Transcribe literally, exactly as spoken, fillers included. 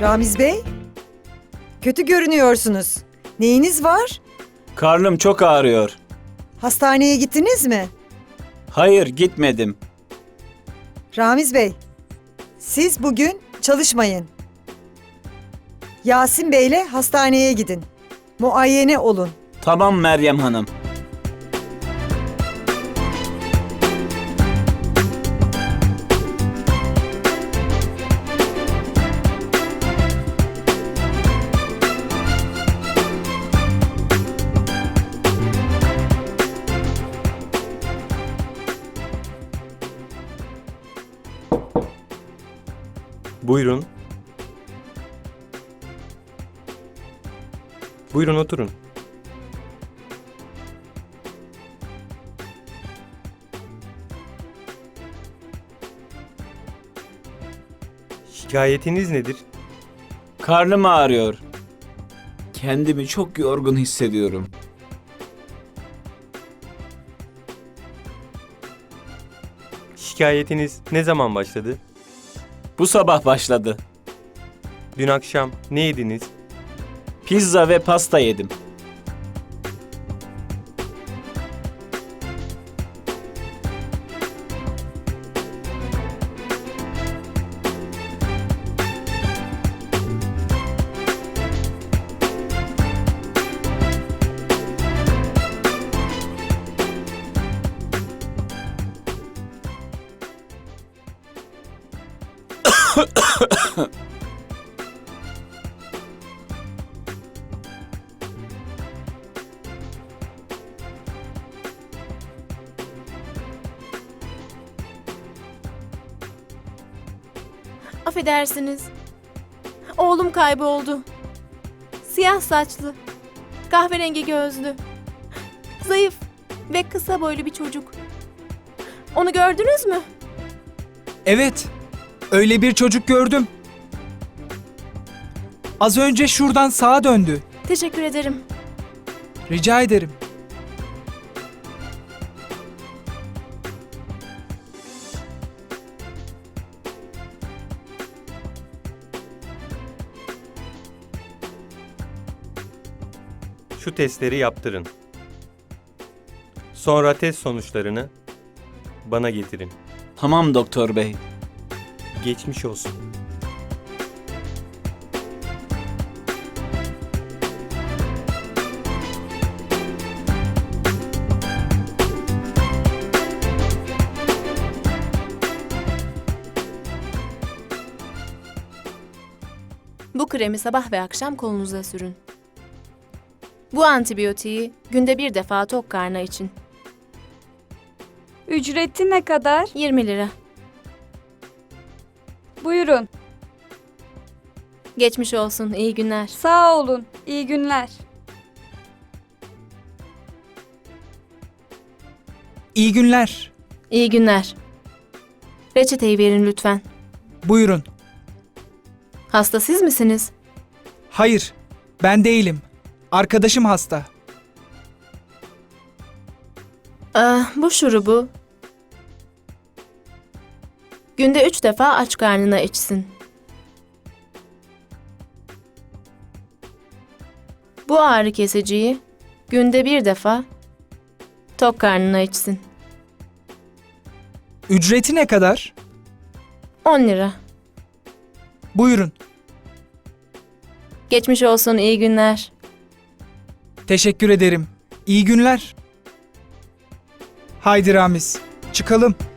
Ramiz Bey, kötü görünüyorsunuz. Neyiniz var? Karnım çok ağrıyor. Hastaneye gittiniz mi? Hayır, gitmedim. Ramiz Bey, siz bugün çalışmayın. Yasin Bey'le hastaneye gidin. Muayene olun. Tamam Meryem Hanım. Buyurun. Buyurun oturun. Şikayetiniz nedir? Karnım ağrıyor. Kendimi çok yorgun hissediyorum. Şikayetiniz ne zaman başladı? Bu sabah başladı. Dün akşam ne yediniz? Pizza ve pasta yedim. Affedersiniz. Oğlum kayboldu. Siyah saçlı, kahverengi gözlü, zayıf ve kısa boylu bir çocuk. Onu gördünüz mü? Evet, öyle bir çocuk gördüm. Az önce şuradan sağa döndü. Teşekkür ederim. Rica ederim. Şu testleri yaptırın. Sonra test sonuçlarını bana getirin. Tamam doktor bey. Geçmiş olsun. Bu kremi sabah ve akşam kolunuza sürün. Bu antibiyotiği günde bir defa tok karnı için. Ücreti ne kadar? yirmi lira. Buyurun. Geçmiş olsun, iyi günler. Sağ olun. İyi günler. İyi günler. İyi günler. Reçeteyi verin lütfen. Buyurun. Hasta siz misiniz? Hayır, ben değilim. Arkadaşım hasta. Ah, bu şurubu günde üç defa aç karnına içsin. Bu ağrı kesiciyi günde bir defa tok karnına içsin. Ücreti ne kadar? on lira. Buyurun. Geçmiş olsun, iyi günler. Teşekkür ederim. İyi günler. Haydi Ramiz, çıkalım.